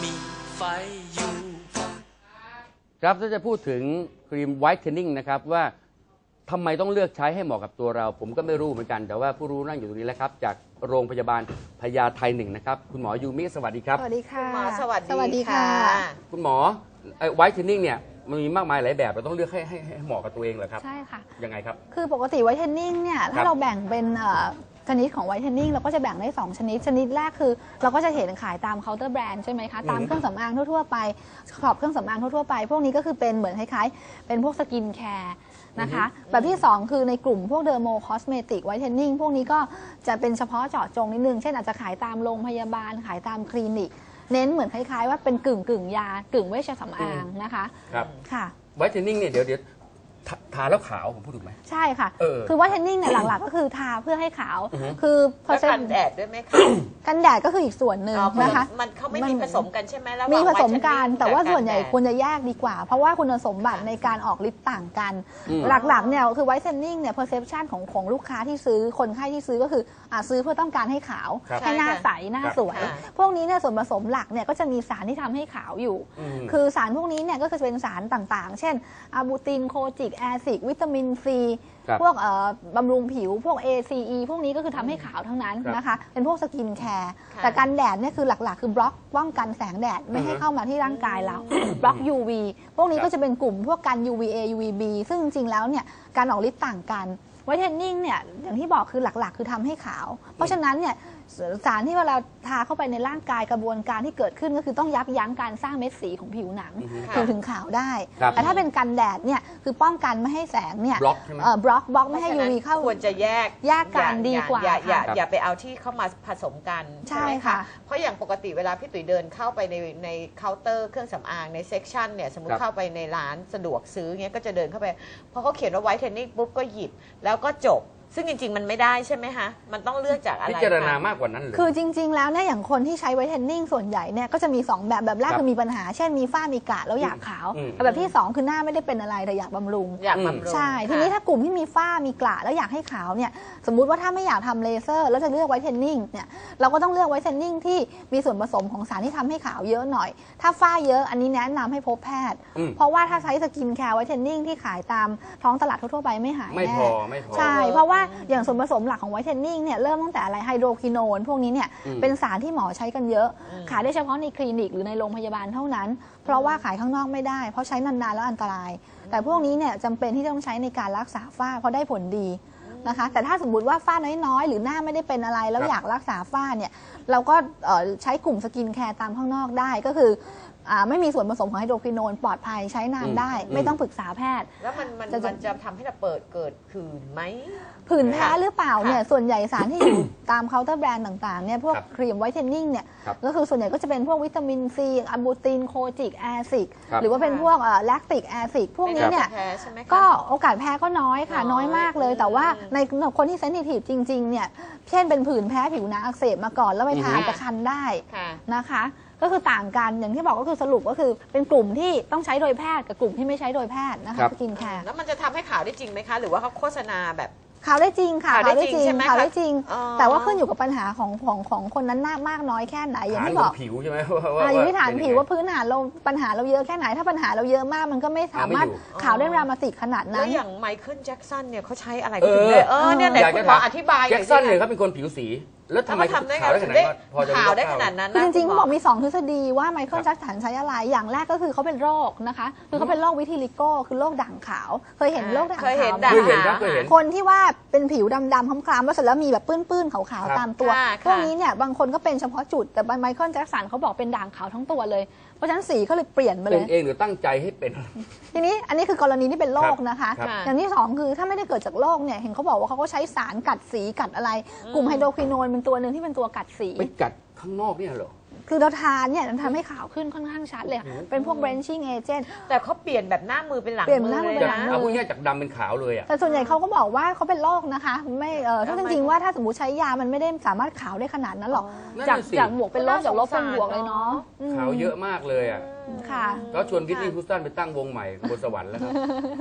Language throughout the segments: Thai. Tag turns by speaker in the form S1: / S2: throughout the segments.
S1: มีไฟอยู่
S2: ครับถ้าจะพูดถึงครีมไวท์เทนนิ่งนะครับว่าทำไมต้องเลือกใช้ให้เหมาะกับตัวเราผมก็ไม่รู้เหมือนกันแต่ว่าผู้รู้นั่งอยู่ตรงนี้แล้วครับจากโรงพยาบาลพญาไท1นะครับคุณหมอยูมิสวัสดีครับ
S3: สวัสดีค่ะ
S4: คุณหมอสวัสดี
S3: ค่ะ
S2: คุณหมอไวท์เทนนิ่งเนี่ยมันมีมากมายหลายแบบเราต้องเลือกให้เหมาะกับตัวเองเหรอครับ
S3: ใช่ค่ะ
S2: ยังไงครับ
S3: คือปกติไวท์เทนนิ่งเนี่ยถ้าเราแบ่งเป็นชนิดของไวท์เทนนิ่งเราก็จะแบ่งได้2ชนิดแรกคือเราก็จะเห็นขายตามเคาน์เตอร์แบรนด์ใช่ไหมคะตามเครื่องสำอางทั่วๆไปขอบเครื่องสำอางทั่วๆไปพวกนี้ก็คือเป็นเหมือนคล้ายๆเป็นพวกสกินแคร์นะคะแบบที่2คือในกลุ่มพวกเดอร์โมคอสเมติกไวท์เทนนิ่งพวกนี้ก็จะเป็นเฉพาะเจาะจงนิดนึงเช่นอาจจะขายตามโรงพยาบาลขายตามคลินิกเน้นเหมือนคล้ายๆว่าเป็นกึ่งยากึ่งเวชสำอางนะคะ
S2: ครับ
S3: ค่ะ
S2: ไวท์เทนนิ่งเนี่ยเดี๋ยวทาแล้วขาวผมพูดถูกไหม
S3: ใช่ค่ะคือว่าเทนนิ่งเนี่ยหลักๆก็คือทาเพื่อให้ขาวคือ
S4: พอกันแดดด้วยไหมคะ
S3: กันแดดก็คืออีกส่วนหนึ่งนะคะ
S4: มันเขาไม่มีผสมกันใช่ไหมแล้ว
S3: มีผสมกันแต่ว่าส่วนใหญ่ควรจะแยกดีกว่าเพราะว่าคุณสมบัติในการออกฤทธิ์ต่างกันหลักๆเนี่ยคือไวท์เทนนิ่งเนี่ย perception ของลูกค้าที่ซื้อคนไข้ที่ซื้อก็คือซื้อเพื่อต้องการให้ขาวให้หน้าใสหน้าสวยพวกนี้เนี่ยส่วนผสมหลักเนี่ยก็จะมีสารที่ทำให้ขาวอยู่คือสารพวกนี้เนี่ยก็จะเป็นสารต่างๆเช่นอะบูตินโคจิกแอซิดวิตามินซีพวกบำรุงผิวพวก ACE พวกนี้ก็คือทำให้ขาวทั้งนั้นนะคะเป็นพวกสกินแคร์แต่กันแดดเนี่ยคือหลักๆคือบล็อกป้องกันแสงแดดไม่ให้เข้ามาที่ร่างกายเราบล็อก UV พวกนี้ก็จะเป็นกลุ่มพวกกัน UVA UVB ซึ่งจริงๆแล้วเนี่ยการออกฤทธิ์ต่างกันไวท์เทนนิ่งเนี่ยอย่างที่บอกคือหลักๆคือทำให้ขาวเพราะฉะนั้นเนี่ยสารที่เวลาทาเข้าไปในร่างกายกระบวนการที่เกิดขึ้นก็คือต้องยับยั้งการสร้างเม็ดสีของผิวหนังถึงขาวได้แต่ถ้าเป็นกันแดดเนี่ยคือป้องกันไม่ให้แสงเนี่ย
S2: บล็อกใช่ไหม
S3: บล็อกไม่ให้ UV เข้า
S4: ควรจะแยก
S3: กันดีกว่า
S4: อย่าไปเอาที่เข้ามาผสมกันใช่ไหมคะเพราะอย่างปกติเวลาพี่ตุ๋ยเดินเข้าไปในเคาน์เตอร์เครื่องสำอางในเซกชันเนี่ยสมมติเข้าไปในร้านสะดวกซื้อเงี้ยก็จะเดินเข้าไปพอเขาเขียนว่าไวท์เทนนิ่งปุ๊บก็หยิบแล้วก็จบซึ่งจริงๆมันไม่ได้ใช่ไหมคะมันต้องเลือกจากอะไร
S2: พิจารณามากกว่านั้นเลย
S3: คือจริงๆแล้วเนี่ยอย่างคนที่ใช้ไวท์เทนนิ่งส่วนใหญ่เนี่ยก็จะมี2แบบแรกคือมีปัญหาเช่นมีฝ้ามีกระแล้วอยากขาวแบบที่2คือหน้าไม่ได้เป็นอะไรแต่อยากบำรุงใช่ทีนี้ถ้ากลุ่มที่มีฝ้ามีกระแล้วอยากให้ขาวเนี่ยสมมุติว่าถ้าไม่อยากทำเลเซอร์แล้วจะเลือกไวท์เทนนิ่งเนี่ยเราก็ต้องเลือกไวท์เทนนิ่งที่มีส่วนผสมของสารที่ทำให้ขาวเยอะหน่อยถ้าฝ้าเยอะอันนี้แนะนำให้พบแพทย์เพราะว่าถ้าใช้สกินแคร์ไวท์เทนนิ่งที่ขายตามท้องตลาดทั่วๆไปไม่หายแน่
S2: ไม่พอ
S3: ใช่เพราะว่าอย่างส่วนผสมหลักของไวท์เทนนิ่งเนี่ยเริ่มตั้งแต่อะไรไฮโดรควิโนนพวกนี้เนี่ยเป็นสารที่หมอใช้กันเยอะขายได้เฉพาะในคลินิกหรือในโรงพยาบาลเท่านั้นเพราะว่าขายข้างนอกไม่ได้เพราะใช้นานๆแล้วอันตรายแต่พวกนี้เนี่ยจำเป็นที่ต้องใช้ในการรักษาฝ้าเพราะได้ผลดีนะคะแต่ถ้าสมมติว่าฝ้าน้อยๆหรือหน้าไม่ได้เป็นอะไรแล้วอยากรักษาฝ้าเนี่ยเราก็ใช้กลุ่มสกินแคร์ตามข้างนอกได้ก็คือไม่มีส่วนผสมของไฮโดรควิโนนปลอดภัยใช้นานได้ไม่ต้องปรึกษาแพทย์
S4: แล้วมันจะทำให้เราเกิดผื่นไหม
S3: ผื่นแพ้หรือเปล่าเนี่ยส่วนใหญ่สารที่อยู่ตามเคาน์เตอร์แบรนด์ต่างๆเนี่ยพวกครีมไวท์เทนนิ่งเนี่ยก็คือส่วนใหญ่ก็จะเป็นพวกวิตามินซีอะบูตินโคจิกแอซิดหรือว่าเป็นพวกแลคติกแอซิดพวกนี้เนี่ยก็โอกาสแพ้ก็น้อยค่ะน้อยมากเลยแต่ว่าในคนที่เซนซิทีฟจริงๆเนี่ยเช่นเป็นผื่นแพ้ผิวหนังอักเสบมาก่อนแล้วไปทาจะคันได้นะคะก็คือต่างกันอย่างที่บอกก็คือสรุปก็คือเป็นกลุ่มที่ต้องใช้โดยแพทย์กับกลุ่มที่ไม่ใช้โดยแพทย์นะคะสกินแคร์
S4: แล้วมันจะทำให้ขาวได้จริงไหมคะหรือว่าเขาโฆษณาแบบ
S3: ขาวได้จริงค่ะขาวได้จริงขาวได้จริงแต่ว่าขึ้นอยู่กับปัญหาของคนนั้นมากน้อยแค่ไหนอย่างที่บอก
S2: ผิวใช่ไหม
S3: อยู่ที่ฐานผิวว่าพื้นฐานเราปัญหาเราเยอะแค่ไหนถ้าปัญหาเราเยอะมากมันก็ไม่สามารถขาวได้ดรามาติกขนาดนั้น
S4: แล้วอย่างไมเคิลแจ็คสันเนี่ยเขาใช้อะไรก็ถึงได้เนี่ยไหนคุณหมออธิบาย
S2: แจ็คสันเนี่ยเขาเป็นคนผิวสีแล้วทำไมขาวได้ขนาด
S4: นั้น
S3: จริงๆเขาบอกมี2ทฤษฎีว่าไมเคิลแจ็คสันใช้อะไรอย่างแรกก็คือเขาเป็นโรคนะคะคือเขาเป็นโรควิทิลิโก้คือโรคด่างขาวเคยเห็นโรคด่างขาวคนที่ว่าเป็นผิวดำๆคล้ำๆแล้วเสร็จแล้วมีแบบปื้นๆขาวๆตามตัวพวกนี้เนี่ยบางคนก็เป็นเฉพาะจุดแต่ไมเคิลแจ็คสันเขาบอกเป็นด่างขาวทั้งตัวเลยเพราะฉะนั้นสีเขาเลยเปลี่ยนไปเลย
S2: เป็นเองหรือตั้งใจให้เป็น
S3: ทีนี้อันนี้คือกรณีที่เป็นโรคนะคะอย่างที่2คือถ้าไม่ได้เกิดจากโรคเนี่ยเห็นเขาบอกว่าเขาก็ใช้สารกัดสีกัดอะไรกลุ่มไฮโดรควิโนนเป็นตัวหนึ่งที่เป็นตัวกัดสี
S2: ไปกัดข้างนอกเนี่ยเหรอ
S3: คือเราทานเนี่ยมันทำให้ขาวขึ้นค่อนข้างชัดเลยเป็นพวก branching agent
S4: แต่เขาเปลี่ยนแบบหน้ามือเป็นหลัง
S3: มือเลยนะ
S2: เอาพวกนี้จากดำเป็นขาวเลยอ่ะ
S3: แต่ส่วนใหญ่เขาก็บอกว่าเขาเป็นโรคนะคะไม่ถ้าจริงๆว่าถ้าสมมติใช้ยามันไม่ได้สามารถขาวได้ขนาดนั้นหรอกจากบวกเป็นลบจากลบเป็นบวกเลยเนาะ
S2: ขาวเยอะมากเลยอ่ะ
S3: ค่ะ
S2: ก็ชวนวิทนี่ฮูสตันไปตั้งวงใหม่บนสวรรค์แล้วครับ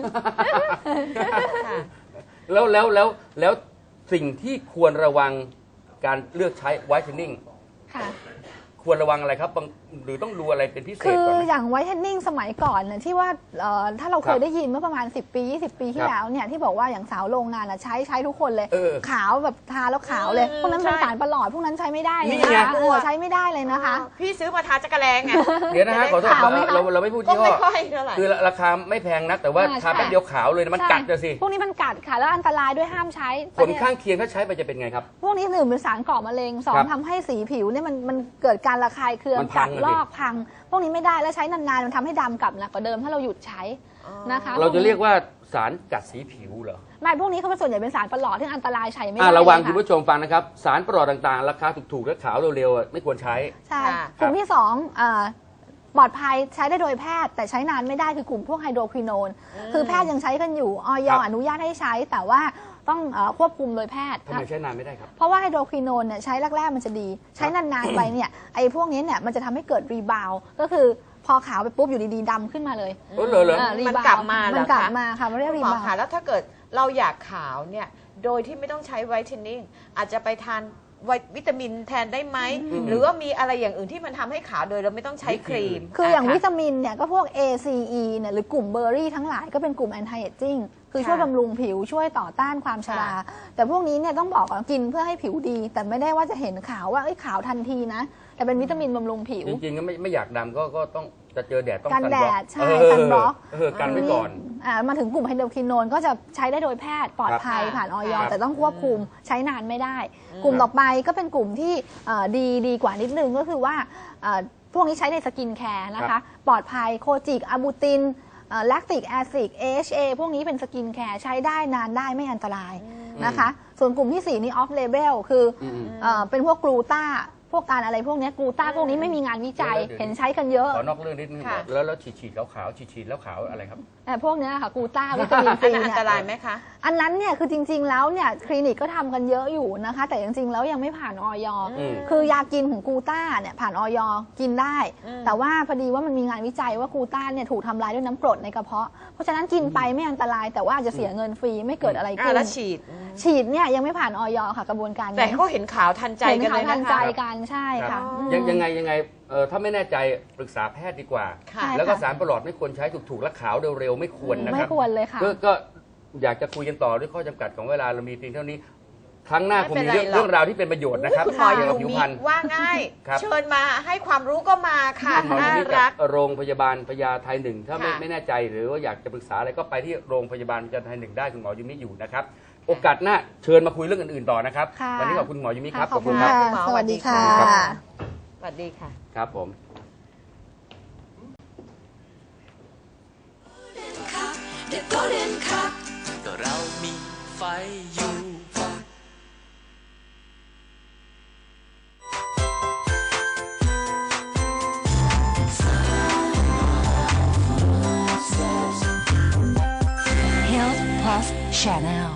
S2: แล้วสิ่งที่ควรระวังการเลือกใช้ไวท์เทนนิ่งควรระวังอะไรครับหรือต้องดูอะไรเป็นพิเศษ
S3: คือ
S2: ก่อนไหม
S3: อย่างไวท์เทนนิ่งสมัยก่อนเนี่ยที่ว่าถ้าเราเค
S2: ครั
S3: ย
S2: บ
S3: ได้ยินเมื่อประมาณ10 ปี 20 ปีที่แล้วเนี่ยที่บอกว่าอย่างสาวโรงงานใช้ทุกคนเลย ขาวแบบทาแล้วขาวเลย พวกนั้นเป็นสารประหลอดพวกนั้นใช้ไม่ได้เลย
S2: นี่
S3: นะ
S2: ไง
S3: คะใช้ไม่ได้เลยนะคะ
S4: พี่ซื้อมาทาจักรแลงไง
S2: เดี๋ยวนะฮะขอโทษ
S3: ขาวไหมคะ
S2: เราไม่พูด
S4: ก็
S2: ยี่ห้
S4: ไม่
S2: อ
S4: ค่อยเท่าไหร่
S2: คือราคาไม่แพงนักแต่ว่า
S3: ใช่
S2: ทาแป๊บเดียวขาวเลยนะมันกัดจะสิ
S3: พวกนี้มันกัดค่ะแล้วอันตรายด้วยห้ามใช้
S2: ผลข้างเคียงถ้าใช้ไปจะเป็นไงครับ
S3: พวกนี้หนึ่งเป็นสารก่อมะเร็งสอ
S2: ครั
S3: ง
S2: บ
S3: ทำให้สีผิวเนี่ยมันเกิดการระคายเคือง
S2: มันพั
S3: กั
S2: ง
S3: ด
S2: อะดิ
S3: ลอกพัง พวกนี้ไม่ได้แล้วใช้นานๆมันทำให้ดำกลับหนักกว่าเดิมถ้าเราหยุดใช้นะคะ
S2: เราจะเรียกว่าสารกัดสีผิวเหรอ
S3: ไม่พวกนี้เขาเป็นส่วนใหญ่เป็นสารประหลอดที่อันตรายใช้ไม่ได้
S2: ระวัง
S3: เลย
S2: คุณผู้ชมฟังนะครับสารประหลอดต่างๆ ราคาถูกๆและขาวเร็วๆไม่ควรใช้
S3: ใช่
S4: ค่ะ
S3: กลุ่มที่สองปลอดภัยใช้ได้โดยแพทย์ แต่ใช้นานไม่ได้คือกลุ่มพวกไฮโดรควิโนนคือแพทย์ยังใช้กันอยู่อย
S2: ครับ
S3: อนุญาตให้ใช้ แต่ว่าต้องควบคุมโดยแพทย์
S2: ทำไมใช้นานไม่ได้ครับ
S3: เพราะว่าไฮโดรควิโนนเนี่ยใช้แรกๆมันจะดี ใช้นานๆไปเนี่ยไอ้พวกนี้เนี่ยมันจะทำให้เกิดรีบาวก็คือพอขาวไปปุ๊บอยู่ดีๆดำขึ้นมาเลย
S2: เหรอ
S3: รี
S4: มัน
S3: บาว
S4: กลับมาเหรอคะ
S3: มันกลับมาค่ะมันเรียก
S4: คุณ
S3: รี
S4: หมอบ
S3: าว
S4: ค่ะแล้วถ้าเกิดเราอยากขาวเนี่ยโดยที่ไม่ต้องใช้ไวท์เทนนิ่งอาจจะไปทานวิตามินแทนได้ไหม หรือว่ามีอะไรอย่างอื่นที่มันทำให้ขาวโดยเราไม่ต้องใช้ครีม
S3: คืออย่าง
S4: ะ
S3: วิตามินเนี่ยก็พวก A C E เนี่ยหรือกลุ่มเบอร์รี่ทั้งหลายก็เป็นกลุ่ม anti aging คือช่วยบำรุงผิวช่วยต่อต้านความชรา แต่พวกนี้เนี่ยต้องบอกก่อนกินเพื่อให้ผิวดี แต่ไม่ได้ว่าจะเห็นขาวว่าขาวทันทีนะ แต่เป็นวิตามินบำรุงผิว
S2: จริงๆก็ไม่อยากดำก็ต้องจะเจอแดดต้อง
S3: กันแดด
S2: ซัน
S3: ใช่ซันบล็อก
S2: กันไว้ก่อน
S3: มาถึงกลุ่มไฮโดรควิโนนก็จะใช้ได้โดยแพทย์ปลอดภัย
S4: ครับ
S3: ผ่านออย
S2: ครับ
S3: แต่ต้องควบคุมใช้นานไม่ได้ กลุ่มต่อไปก็เป็นกลุ่มที่ดีกว่านิดนึงก็คือว่าพวกนี้ใช้ในสกินแคร์นะคะ ปลอดภัยโคจิกอะบูตินแลคติกแอซิด AHA พวกนี้เป็นสกินแคร์ใช้ได้นานได้ไม่อันตรายนะคะ ส่วนกลุ่มที่ 4 นี่ออฟเลเบลคือเป็นพวกกลูต้าพวกการอะไรพวกนี้กลูต้าพวกนี้ไม่มีงานวิจัย
S2: เดี๋ยว
S3: เห็นใช้กันเยอะ
S2: ขอนอกเรื่องนิดนึง
S4: ค่ะ
S2: แล้วฉีดขาวฉีดแล้วขาวอะไรครับ
S3: พวกเนี้ยค่ะกลูต้าวิตามิน
S4: อั
S3: ซี
S4: นนั้นอั
S3: เนี่
S4: นตราย
S3: ย
S4: ไหมคะ
S3: อันนั้นเนี่ยคือจริงๆแล้วเนี่ยคลินิกก็ทำกันเยอะอยู่นะคะ แต่จริงๆแล้วยังไม่ผ่านออย คือยากินของกลูต้าเนี่ยผ่านออยกินได้ แต่ว่าพอดีว่ามันมีงานวิจัยว่ากลูต้าเนี่ยถูกทำลายด้วยน้ำกรดในกระเพาะเพราะฉะนั้นกินไปไม่อันตรายแต่ว่าอาจจะเสียเงินฟรีไม่เกิดอะไรขึ้น
S4: แล้วฉีด
S3: ฉีดเนี่ยยังไม่ผ่านออยค่ะกระบวนการ
S4: แต่เขาเห็นขาวทันใจ
S3: เห็น
S4: กัน
S3: ข่า
S4: เล
S3: วย ทัน
S4: นะ
S3: ใจ
S4: คะ
S3: กันใช่ค่ะ
S4: อ๋อ
S2: ยังไงถ้าไม่แน่ใจปรึกษาแพทย์ดีกว่า
S4: ค่ะ
S2: แล้วก็สารประหลอดไม่ควรใช้ถูกๆและขาวเร็วๆไม่ควรนะค
S3: ไม่
S2: รับ
S3: ควรเลยค่ะ
S2: ก็อยากจะคุยกันต่อด้วยข้อจำกัดของเวลาเรามีเพียงเท่านี้ ครั้งหน้าคงมี
S4: ไม่เป็นไรหรอก
S2: เรื่องราวที่เป็นประโยชน์นะครับ
S4: คุณหมอ
S2: เกี่ยว
S4: ยู
S2: กับผิว
S4: มิ
S2: พรรณ
S4: ว่าง่าย
S2: ครับ
S4: เชิญมาให้ความรู้ก็มาค่ะ
S2: คุณหมอ
S4: น่า
S2: ยูมิ
S4: รั
S2: จาก กโรงพยาบาลพญาไท1ถ้า
S4: ค่ะ
S2: ไม่แน่ใจหรือว่าอยากจะปรึกษาอะไรก็ไปที่โรงพยาบาลพญาไท1ได้คุณหมอยูมิอยู่นะครับโอกาสหน้าเชิญมาคุยเรื่องอื่นๆต่อนะครับ
S3: ค่ะ
S2: วันนี้ขอบคุณหมอยูมิครับ
S3: ขอบคุณ
S2: ครั
S3: ค่ะ
S4: ณหมอ
S3: สวัสดีค่ะ
S4: สวัสดีค่ะ
S2: ครับผม
S1: The Golden Cup ก็เรามีไฟอยู่ Health Plus Channel